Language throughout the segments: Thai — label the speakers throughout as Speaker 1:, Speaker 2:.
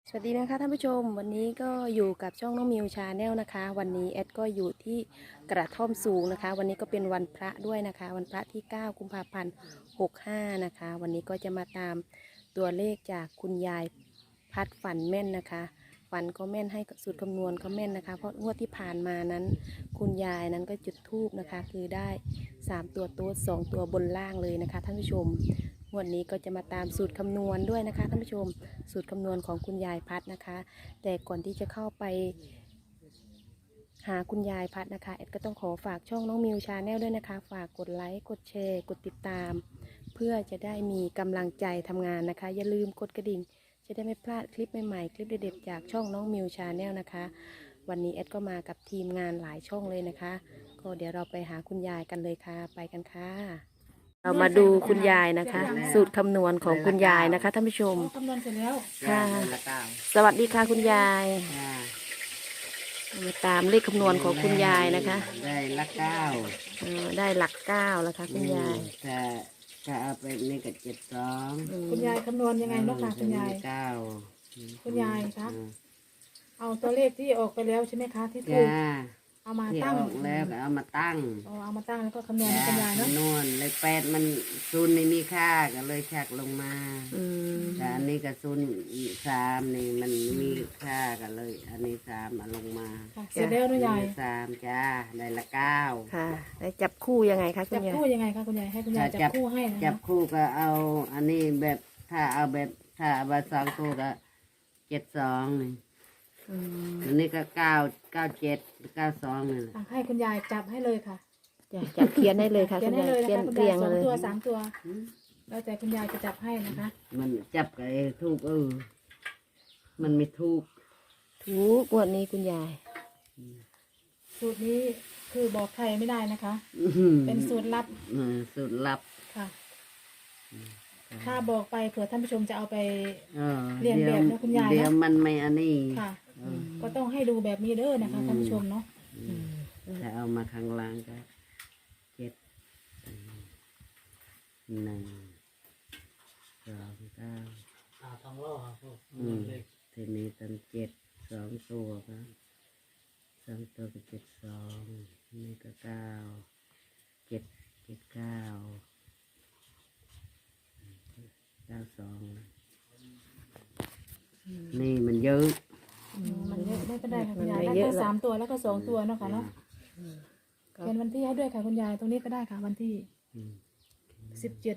Speaker 1: สวัสดีนะคะท่านผู้ชมวันนี้ก็อยู่กับช่องน้องมิวชาแนลนะคะวันนี้แอดก็อยู่ที่กระท่อมสูงนะคะวันนี้ก็เป็นวันพระด้วยนะคะวันพระที่9กุมภาพันธ์65นะคะวันนี้ก็จะมาตามตัวเลขจากคุณยายพัดฝันแม่นนะคะฝันก็แม่นให้สูตรคำนวณก็แม่นนะคะเพราะงวดที่ผ่านมานั้นคุณยายนั้นก็จุดธูปนะคะคือได้3ตัวโต๊ด2ตัวบนล่างเลยนะคะท่านผู้ชมงวดนี้ก็จะมาตามสูตรคำนวณด้วยนะคะท่านผู้ชมสูตรคำนวณของคุณยายพัดนะคะแต่ก่อนที่จะเข้าไปหาคุณยายพัดนะคะแอดก็ต้องขอฝากช่องน้องมิวชาแนลด้วยนะคะฝากกดไลค์กดแชร์กดติดตามเพื่อจะได้มีกำลังใจทำงานนะคะอย่าลืมกดกระดิ่งจะได้ไม่พลาดคลิปใหม่ๆคลิปเด็ดๆจากช่องน้องมิวชาแนลนะคะวันนี้แอดก็มากับทีมงานหลายช่องเลยนะคะก็เดี๋ยวเราไปหาคุณยายกันเลยค่ะไปกันค่ะเรามาดูคุณยายนะคะ สูตรคำนวณของคุณยายนะคะท่านผู้ชม
Speaker 2: คำนวณเสร็จแล้ว
Speaker 1: ค่ะ
Speaker 3: ละเก้า
Speaker 1: สวัสดีค่ะคุณยาย
Speaker 3: อ่า
Speaker 1: มาตามเลขคำนวณของคุณยายนะคะ
Speaker 3: ได้ละเก้า
Speaker 1: ได้หลัก9แล้วค่ะคุณยาย
Speaker 3: ถ้าเอาไปนี่ก็72
Speaker 2: คุณยายคำนวณยังไงเนาะค่ะคุณยาย
Speaker 3: เก้า
Speaker 2: คุณยายคะเอาตัวเลขที่ออกไปแล้วใช่ไหมคะที่ถู
Speaker 3: จ้าก
Speaker 2: เอามา
Speaker 3: ที่
Speaker 2: ตั้ง
Speaker 3: ออกแล้วก็เอามาตั้ง
Speaker 2: เอามาตั้งแล้วก็คำนวณให้คุณยายเนาะ
Speaker 3: นวลเลย8มันศูนย์ไม่มีค่าก็เลยชักลงมา
Speaker 1: อืม
Speaker 3: แต่อันนี้ก็ศูนย์3นี่มันมีค่าก็เลย อันนี้3เอาลงมา
Speaker 2: ค่ะเสร็จแล้วเนาะยาย
Speaker 3: 3จ้าได้ละ9
Speaker 1: ค่ะแล้วจับคู่ยังไงคะคุ
Speaker 2: จั
Speaker 1: ณ
Speaker 2: บ
Speaker 1: ยาย
Speaker 2: คู่ยังไงคะคุณยายให้คุณยายจับคู่ให้นะ
Speaker 3: จับ
Speaker 2: คะ
Speaker 3: คู่ก็เอาอันนี้แบบถ้าเอาแบบถ้าเอาแบบ2ตัวก็72นี่
Speaker 1: อืม
Speaker 3: อันนี้ก็997 92นี่แหละ
Speaker 2: ให้คุณยายจับให้เลยค่ะ
Speaker 1: จับเขียนได้เลยค่ะ
Speaker 2: เขีย
Speaker 1: คุ
Speaker 2: น
Speaker 1: ณ
Speaker 2: ให้
Speaker 1: ยาย
Speaker 2: เลยนะ
Speaker 1: เขียน
Speaker 2: คะคุณ
Speaker 1: เรี
Speaker 2: ยาย ย
Speaker 1: ง
Speaker 2: 2
Speaker 1: เลย
Speaker 2: ตัว3 ตัวแล้วแต่คุณยายจะจับให้นะคะ
Speaker 3: มันจับกับไอ้ทูกมันไม่ทูก
Speaker 1: ถูกงวดนี้คุณยาย
Speaker 2: สูตรนี้คือบอกใครไม่ได้นะคะ เป็นสูตรลับ
Speaker 3: สูตรลับ
Speaker 2: ค่ะ ถ้าบอกไปเผื่อท่านผู้ชมจะเอาไป
Speaker 3: เออ
Speaker 2: เรียนแบบนะคุณยายนะ
Speaker 3: เดี๋ยวมันไม่อันนี้
Speaker 2: ค่ะ ก็ต้องให้ดูแบบนี้เด้อนะคะท่านผู้ชมเนาะ
Speaker 3: ถ้าเอามาข้างล่างก็7 1 2 9 ทีนี้ตั้ง7 2 ตัวครับ2 ตัวก็72นี่ก็9 7 92นี่มันเยอะ
Speaker 2: มันเยอะไม่เป็นไรค่ะคุณยายได้แค่3 ตัวแล้วก็2 ตัวเนาะค่ะเนาะเป็นวันที่ให้ด้วยค่ะคุณยายตรงนี้ก็ได้ค่ะวันที่
Speaker 3: อืม
Speaker 2: 17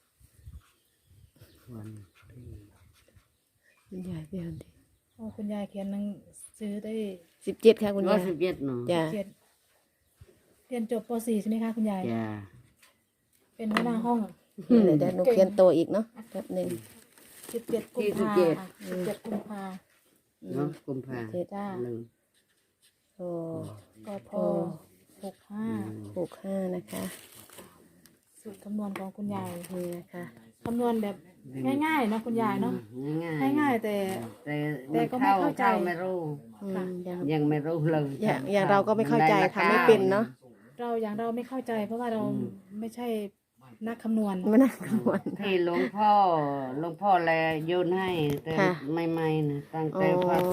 Speaker 3: วันที่
Speaker 1: คุณยายเขียน
Speaker 2: โอ้คุณยายเขียนหนังสือได้
Speaker 1: 17ค่ะคุณยาย
Speaker 3: 17เนาะ
Speaker 1: จ้ะ
Speaker 2: 7เรียนจบป .4 ใช่ไหมคะคุณยาย
Speaker 3: จ้า
Speaker 2: เป็นหัวหน้าห้อง
Speaker 1: เดี๋ยวหนูเขียนโตอีกเนาะแป๊บหนึง
Speaker 2: 17 กุมภาค่ะ17 กุมภา
Speaker 3: เนาะกุมภา
Speaker 2: จ้า
Speaker 3: หนึ่ง
Speaker 1: โอ้
Speaker 2: กพ65
Speaker 1: 65นะคะ
Speaker 2: สูตรคำนวณของคุณยาย
Speaker 1: นี่นะคะ
Speaker 2: คำนวณแบบง่ายๆเนาะคุณยายเนาะ
Speaker 3: ง่าย
Speaker 2: ง่ายๆแต่
Speaker 3: แต่
Speaker 2: แต่ก็ไม่เข้าใจ
Speaker 3: ไม่รู้
Speaker 1: อืมยัง
Speaker 3: ยังไม่รู้เลย
Speaker 1: อย่างเราก็ไม่เข้าใจทำไม่เป็นเนาะ
Speaker 2: เราไม่เข้าใจ เพราะว่าเราไม่ใช่นักคำนวณ
Speaker 1: ไม่น่ากังวล
Speaker 3: ที่หลวงพ่อแลโยนให้แต่
Speaker 1: ค่ะ
Speaker 3: ใหม่ๆนะตั้งแต่
Speaker 1: อ๋อ
Speaker 3: พศ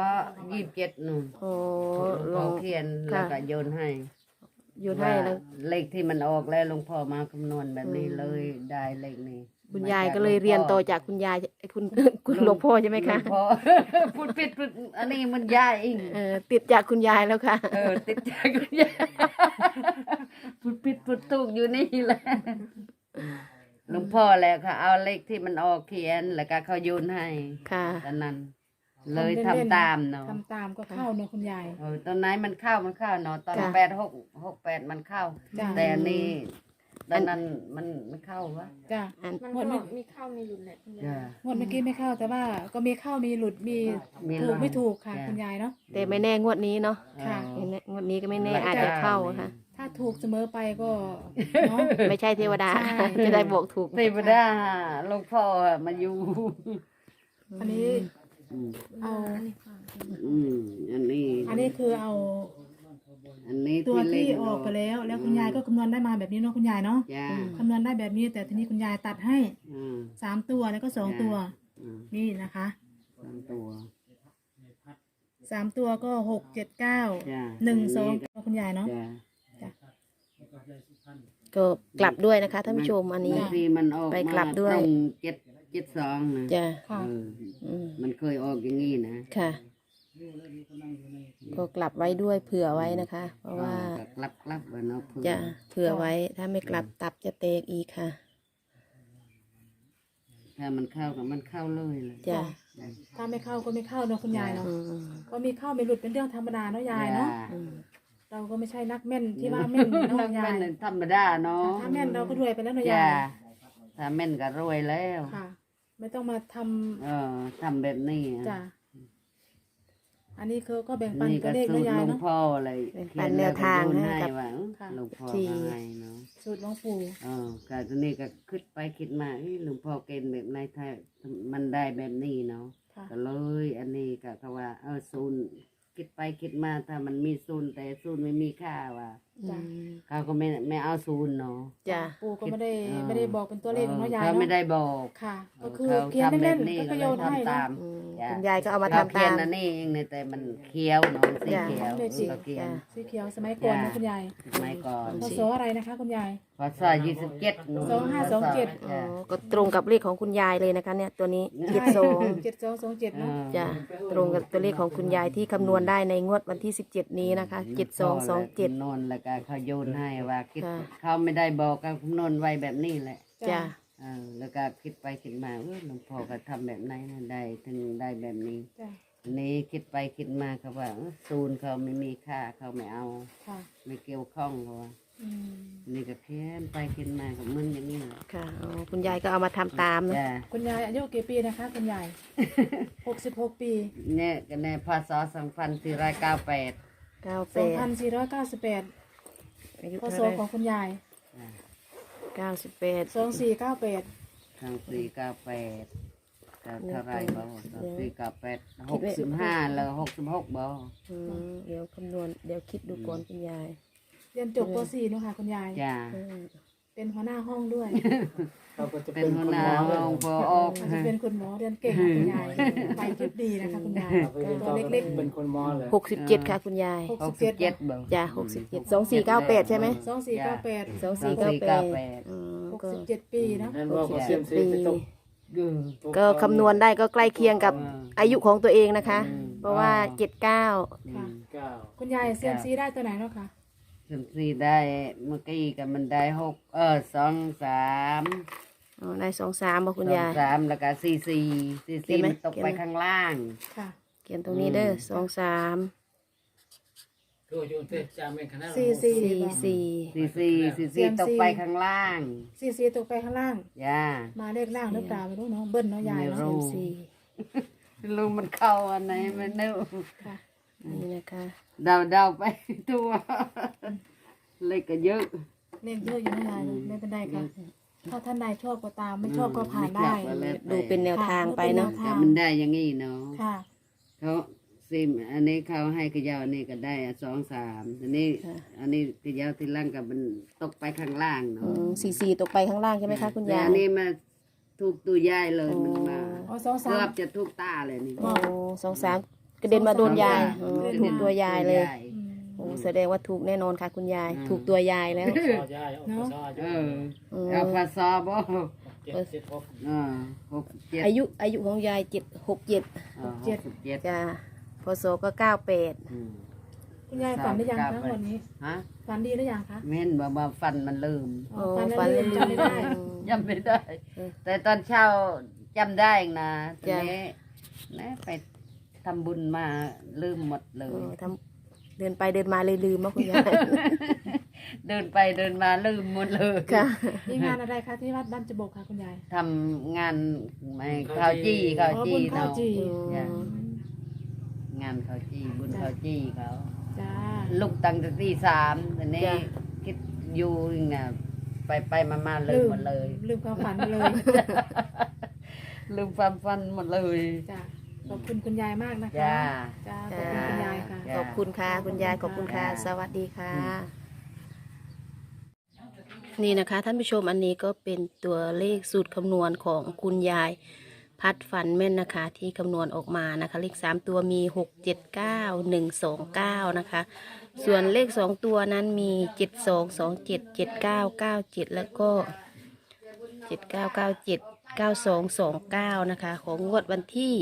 Speaker 3: 27นู่น
Speaker 1: โอ้
Speaker 3: หล
Speaker 1: ล
Speaker 3: วง
Speaker 1: ง
Speaker 3: พ่อเขียน
Speaker 1: ค่ะ
Speaker 3: แล้วก็โยนให้
Speaker 1: อยู่ให้แล้ว
Speaker 3: าเลขที่มันออกแล้วหลวงพ่อมาคำนวณแบบนี้เลยได้เลขนี้
Speaker 1: คุณยายก็เลยเรียนต่อจากคุณยายคุณหลวงพ่อใช่ไหมคะ
Speaker 3: หลวงพ่อ พูดผิดพูดอันนี้มันยายเอง
Speaker 1: ติดจากคุณยายแล้วค่ะ
Speaker 3: ติดใจคุณยายพูดผิดพูดถูกอยู่นี่แหละหลวงพ่อแหละค่ะเอาเลขที่มันออกเขียนแล้วก็เขาโยนให้
Speaker 1: ค่ะ
Speaker 3: ตอนนั้น เลยทำตามเนาะ
Speaker 2: ทำตามก็เข้าเนาะคุณยาย
Speaker 3: ตอนไหนมันเข้าเนาะตอน
Speaker 1: จ้ะ
Speaker 3: 8 6 8มันเข้า
Speaker 2: จ้ะ
Speaker 3: แต่อันนี้ตอนนั้นมันเข้าวะ
Speaker 2: จ้ะ
Speaker 1: อัน
Speaker 4: มัน
Speaker 2: งวด
Speaker 4: ก็
Speaker 2: ไม่
Speaker 4: มีเข้ามีหลุดแหละคุณยาย
Speaker 3: จ้ะ
Speaker 2: งวดเมื่อกี้ไม่เข้าแต่ว่าก็มีเข้ามีหลุดมี
Speaker 3: มี
Speaker 2: ถู
Speaker 3: หลุ
Speaker 2: ก
Speaker 3: ด
Speaker 2: ไม่ถูกค่ะ
Speaker 3: จ้ะ
Speaker 2: คุณยายเนาะ
Speaker 1: แต่ไม่แน่งวดนี้เนาะ
Speaker 2: ค่ะ
Speaker 1: ไม่แน่งวดนี้ก็ไม่แน่อาจจะเข้าค่ะ
Speaker 2: ถ้าถูกเสมอไปก็เนาะ
Speaker 1: ไม่ใช่เทวดา
Speaker 2: ใช่
Speaker 1: จะได้บอกถูก
Speaker 3: เทวดาหลวงพ่อมาอยู่
Speaker 2: อันนี้
Speaker 3: อืม
Speaker 2: เอา
Speaker 3: อืมอันนี้
Speaker 2: อันนี้คือเอา
Speaker 3: อันนี้
Speaker 2: ตัวที่
Speaker 3: เล่น
Speaker 2: ออกไปแล้ว แล้วคุณยายก็คำนวณได้มาแบบนี้เนาะคุณยายเนาะ
Speaker 3: จ้า
Speaker 2: คำนวณได้แบบนี้ แต่ทีนี้คุณยายตัดให้
Speaker 3: อืม
Speaker 2: 3 ตัวแล้วก็2 ตัว
Speaker 3: อืม
Speaker 2: นี่นะคะ
Speaker 3: อืมตัว
Speaker 2: 3 ตัวก็6 7 9
Speaker 3: จ้ะ
Speaker 2: 1 2คุณยายเนาะ
Speaker 3: จ้ะ
Speaker 2: จ้ะ
Speaker 1: ก็กลับด้วยนะคะท่านผู้ชมอันนี้
Speaker 3: บางทีมันออก
Speaker 1: ไป
Speaker 3: มาก
Speaker 1: ลับด้วย
Speaker 3: ตรง772นะ
Speaker 1: จ้ะ
Speaker 2: ค่ะ
Speaker 3: เออ
Speaker 1: อืม
Speaker 3: มันเคยออกอย่างนี้นะ
Speaker 1: ค่ะ ก็กลับไว้ด้วยเผื่อไว้นะคะ เพราะว่า
Speaker 3: ก็กลับว่าเนาะเพื่อ
Speaker 1: จะเผื่อไว้ถ้าไม่กลับตับจะเตกอีกค่ะ
Speaker 3: ถ้ามันเข้ากับมันเข้าเลยเลย
Speaker 1: จ้ะ
Speaker 2: ถ้าไม่เข้าก็ไม่เข้าเนาะคุณยายเนาะ
Speaker 1: อืม
Speaker 2: ก็มีเข้าไม่หลุดเป็นเรื่องธรรมดาเนาะยายเนาะ
Speaker 1: อืม
Speaker 2: เราก็ไม่ใช่นักแม่นที่ว่าแม่นเนาะ
Speaker 3: นัก
Speaker 2: ยา
Speaker 3: แม่
Speaker 2: ย
Speaker 3: นธรรมดาเนาะ
Speaker 2: ถ้าแม่นเราก็รวยไปแล้วเนาะ
Speaker 3: จ้าย
Speaker 2: าย
Speaker 3: ถ้าแม่นก็รวยแล้ว
Speaker 2: ค่ะ ไม่ต้องมาทำ
Speaker 3: ทำแบบนี้
Speaker 2: จ้ะอันนี้คือก็แบ่งปัน
Speaker 3: นี่
Speaker 2: ตั
Speaker 3: ก็
Speaker 2: วเลข
Speaker 3: สู
Speaker 2: เนาะ
Speaker 3: ตร
Speaker 2: ยาย
Speaker 3: หลวง
Speaker 2: เนาะ
Speaker 3: พ่ออะไร
Speaker 1: เป็นปันแนวทางให้กับ
Speaker 3: ว่า
Speaker 2: ค่ะ
Speaker 3: หลวงพ่อ
Speaker 1: ที่
Speaker 3: ก็ให้เนาะ
Speaker 2: สูตรหลวงปู่
Speaker 3: ก็ตัวนี้ก็คิดไปคิดมาหลวงพ่อเกณฑ์แบบไหนถ้ามันได้แบบนี้เนาะ
Speaker 2: ค่ะ
Speaker 3: ก็เลย อันนี้ก็เขาว่าศูนย์คิดไปคิดมาถ้ามันมีศูนย์แต่ศูนย์ไม่มีค่าว่ะ
Speaker 2: จ้ะ
Speaker 3: เขาก็ไม่เอาศูนย์เนาะ
Speaker 1: จ้ะ
Speaker 2: ปู่ก็ไม่ได้บอกเป็นตัวเลขเนาะยาย
Speaker 3: เขาไม่
Speaker 2: เนาะ
Speaker 3: ได้บอก
Speaker 2: ค่ะ
Speaker 3: เอ
Speaker 2: ก็
Speaker 3: อ
Speaker 2: คือ
Speaker 3: เขา
Speaker 2: เขียน
Speaker 3: ทำแบ
Speaker 2: เล่
Speaker 3: บ
Speaker 2: น
Speaker 3: นี้
Speaker 2: ๆก็
Speaker 3: ก็
Speaker 2: โย
Speaker 3: เลย
Speaker 2: นให้
Speaker 3: ทำ
Speaker 2: เนาะ
Speaker 3: ตาม
Speaker 1: อืม
Speaker 3: จ้ะ
Speaker 1: คุณยายก็เอามา
Speaker 3: เรา
Speaker 1: ทำ
Speaker 3: เขีย
Speaker 1: ตาน ม
Speaker 3: อันนี้เองเนี่ยแต่มันเคี้ยวเนาะสี
Speaker 1: จ้ะ
Speaker 3: เขียว
Speaker 2: เลขสี
Speaker 3: เราเขียน
Speaker 2: สีเขียวสมัยก่อนนะคุณยาย
Speaker 3: สมัยก่อน
Speaker 2: พศอะไรนะคะคุณยาย
Speaker 3: พศ27
Speaker 2: 2527
Speaker 1: อ๋อก็ตรงกับเลขของคุณยายเลยนะคะ เนี่ยตัวนี้72
Speaker 2: 7227เนาะ
Speaker 1: จ้ะตรงกับตัวเลขของคุณยายที่คำนวณได้ในงวดวันที่17นี้นะคะ7227
Speaker 3: นนแล้วก็เขาโยนให้ว่าคิด
Speaker 1: ค่ะ
Speaker 3: เขาไม่ได้บอกก็คำนวณไว้แบบนี้แหละ
Speaker 1: จ้ะ
Speaker 3: แล้วก็คิดไปคิดมาหลวงพ่อก็ทำแบบไหนนะได้ถึงได้แบบนี้
Speaker 2: จ้ะ
Speaker 3: อันนี้คิดไปคิดมาเขาว่าศูนย์เขาไม่มีค่าเขาไม่เอา
Speaker 2: ค่ะ
Speaker 3: ไม่เกี่ยวข้องเขาว่า
Speaker 2: อืม
Speaker 3: นี่ก็เขียนไปเขียนมากับมึงอย่างนี้แหละ
Speaker 1: ค่ะอ๋อคุณยายก็เอามาทำตามนะ
Speaker 3: จ้ะ
Speaker 2: คุณยายอายุกี่ปีนะคะคุณยาย 66 ปี
Speaker 3: เนี่ยก็ในพศ2498
Speaker 1: 98 อายุ
Speaker 2: พศ
Speaker 1: เท่าไห
Speaker 2: ของคุณยาย
Speaker 1: ร่98
Speaker 2: 2498
Speaker 3: 2498ก็เท่าไรบ่
Speaker 1: เดี๋ยว
Speaker 3: 2498 65แล้ว66บ่
Speaker 1: เดี๋ยวคำนวณเดี๋ยวคิดดูก่อนคุณยาย
Speaker 2: เรียนจบป .4 เนอะค่ะคุณยาย
Speaker 3: จ้า
Speaker 1: อืม
Speaker 2: เป็นหัวหน้าห้องด้วย
Speaker 4: เขาก็จะ
Speaker 3: เป็
Speaker 4: เป็น น
Speaker 3: หั
Speaker 4: คุ
Speaker 3: ว
Speaker 4: ณ
Speaker 3: ห
Speaker 4: ห
Speaker 3: น้าม
Speaker 4: อเลย
Speaker 3: ห้องพอออก
Speaker 2: อาจจะเป็นคุณหมอเรียนเก่งค่ะคุณยายไปคิดดีนะคะคุณยาย
Speaker 4: เขาเป็น
Speaker 2: ตัวเล็ก
Speaker 4: เป็นคนหมอเลย
Speaker 1: 67 ค่ะคุณยาย
Speaker 2: ๆ
Speaker 3: 67
Speaker 2: 67
Speaker 3: บ่
Speaker 1: จ้ะ67 2498 ใช่ไหม
Speaker 2: 2498
Speaker 1: 2498อืมก็
Speaker 2: 67 ปีเนาะ
Speaker 4: นั่นว่าเขาเซียมซีไปตก
Speaker 1: ก็คำนวณได้ก็ใกล้เคียงกับอายุของตัวเองนะคะ เพราะว่า 79
Speaker 2: ค่ะ
Speaker 4: เก้า
Speaker 2: คุณยายเซียมซีได้ตัวไหนเนาะคะ
Speaker 3: ถึงสี่ได้เมื่อกี้ก็มันได้6 2 3
Speaker 1: อ๋อได้23บ่คุณยาย
Speaker 3: 2 3แล้วก็4 4 4
Speaker 1: เขียนไหม
Speaker 3: มันตกไปข้างล่าง
Speaker 2: ค่ะ
Speaker 1: เขียนตรงนี้เด้อ23
Speaker 4: คืออยู่เทพจาเป็นคณะ
Speaker 1: 44
Speaker 3: 4 4 ตกไปข้างล่าง
Speaker 2: 44ตกไปข้างล่าง
Speaker 3: จ้า
Speaker 2: มาเลขล่างหรือเปล่าไม่รู้เนาะเบิ้ลเนาะยาย
Speaker 3: ไม่
Speaker 2: เนาะ
Speaker 3: รู้
Speaker 1: 44
Speaker 3: ลุงมันเข้าอันไหนมันนึก
Speaker 2: ค่ะ
Speaker 1: นี่นะคะ
Speaker 3: เดาไปตัวเลขก็เยอะ
Speaker 2: เลขเยอะอยู่นะยายไม่เป็นไรค่ะถ้าท่านใดชอบก็ตามไม่ชอบก็ผ่านได้
Speaker 1: ดูเป็นแนวทางไปเนาะ
Speaker 3: แต่มันได้อย่างงี้เนาะ
Speaker 2: ค่ะ
Speaker 3: เขาซิมอันนี้เขาให้กระยาวอันนี้ก็ได้2 3อันนี้อันนี้กระยาวที่ล่างกับมันตกไปข้างล่างเนาะ
Speaker 1: 44ตกไปข้างล่างใช่ไหมคะคุณ
Speaker 3: แต่
Speaker 1: ยาย
Speaker 3: อันนี้มาถูกตัวยายเลยมันมา
Speaker 2: อ๋อ2
Speaker 3: เกือบ
Speaker 2: 3
Speaker 3: จะถูกตาเลยนี่
Speaker 1: โอ้23กระเด็นมาโดนยายอ๋อถูกตัวยายเลย โอ้แสดงว่าถูกแน่นอนค่ะคุณยาย ถูกตัวยายแล้ว
Speaker 4: ซอย่ายเอาซอ
Speaker 3: เอ
Speaker 4: อยู่
Speaker 3: อเอาภาษาบ่
Speaker 4: 7
Speaker 3: 6 7
Speaker 1: อายุของยาย767
Speaker 3: 7
Speaker 1: จ้าพศก็98
Speaker 2: คุณยายฝันได้ยังคะวันนี้
Speaker 3: ฮะ
Speaker 2: ฝันดีหรือยังคะ
Speaker 3: เม่นบ่มาฟันมันลืม
Speaker 2: อ๋อฝันแล้วลืมจำไม่ได้
Speaker 3: จำไม่ได้ แต่ตอนเช้าจำได้เองนะทีนี้นะไปทำบุญมาลืมหมดเล
Speaker 1: เอย อทำเดินไปเดินมาเลยลืมว่าคุณยาย
Speaker 3: เดินไปเดินมาลืมหมดเลย
Speaker 1: ค่ะ
Speaker 2: มีงานอะไรคะที่วัดบ้านจบกค่ะคุณยาย
Speaker 3: ทำงานไม่ข้าวจี้ข้าว
Speaker 2: อ๋อ
Speaker 3: จี้
Speaker 2: บุญข้าว
Speaker 3: เนาะ
Speaker 2: จี
Speaker 3: จ้ะงานข้าวจี้บุญข้าวจี้เขา
Speaker 2: จ้า
Speaker 3: ลุกตั้งแต่ตี 3ทีนี้
Speaker 1: จ้ะ
Speaker 3: คิดอยู่น่ะไปมาลืมหมดเลย
Speaker 2: ลืมความฝันไปเลย
Speaker 3: ลืมความฟันหมดเลย
Speaker 2: จ้าขอบคุณคุณยายมากนะคะ
Speaker 3: จ้า
Speaker 2: จ้าขอบคุณคุณยายค่ะ
Speaker 3: จ้ะ
Speaker 1: ขอบคุณค่ะคุณยายขอบคุณค่ะ
Speaker 3: จ้ะ
Speaker 1: สวัสดีค่ะ นี่นะคะท่านผู้ชมอันนี้ก็เป็นตัวเลขสูตรคำนวณของคุณยายพัดฝันแม่นนะคะที่คำนวณออกมานะคะเลข3ตัวมี6 7 9 1 2 9นะคะส่วนเลข2ตัวนั้นมี7 2 2 7 7 9 9 7แล้วก็7 9 9 7 9 2 2 9นะคะของงวดวันที่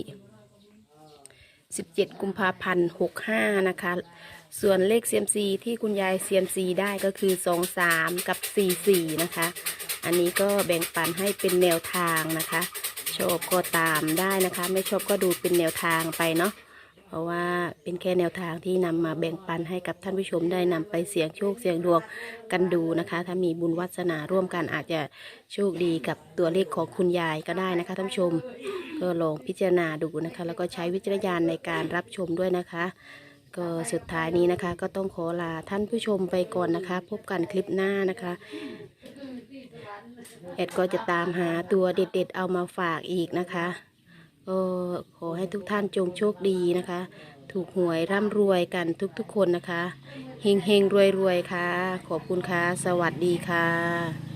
Speaker 1: 17 กุมภาพันธ์ 65นะคะส่วนเลข CMC ที่คุณยาย CMC ได้ก็คือ23กับ44นะคะอันนี้ก็แบ่งปันให้เป็นแนวทางนะคะชอบก็ตามได้นะคะไม่ชอบก็ดูเป็นแนวทางไปเนาะเพราะว่าเป็นแค่แนวทางที่นำมาแบ่งปันให้กับท่านผู้ชมได้นำไปเสี่ยงโชคเสี่ยงดวงกันดูนะคะถ้ามีบุญวาสนาร่วมกันอาจจะโชคดีกับตัวเลขของคุณยายก็ได้นะคะท่านผู้ชมก็ลองพิจารณาดูนะคะแล้วก็ใช้วิจารณญาณในการรับชมด้วยนะคะก็สุดท้ายนี้นะคะก็ต้องขอลาท่านผู้ชมไปก่อนนะคะพบกันคลิปหน้านะคะแอดก็จะตามหาตัวเด็ดๆเอามาฝากอีกนะคะก็ขอให้ทุกท่านจงโชคดีนะคะถูกหวยร่ำรวยกันทุกๆคนนะคะเฮงๆรวยๆค่ะขอบคุณค่ะสวัสดีค่ะ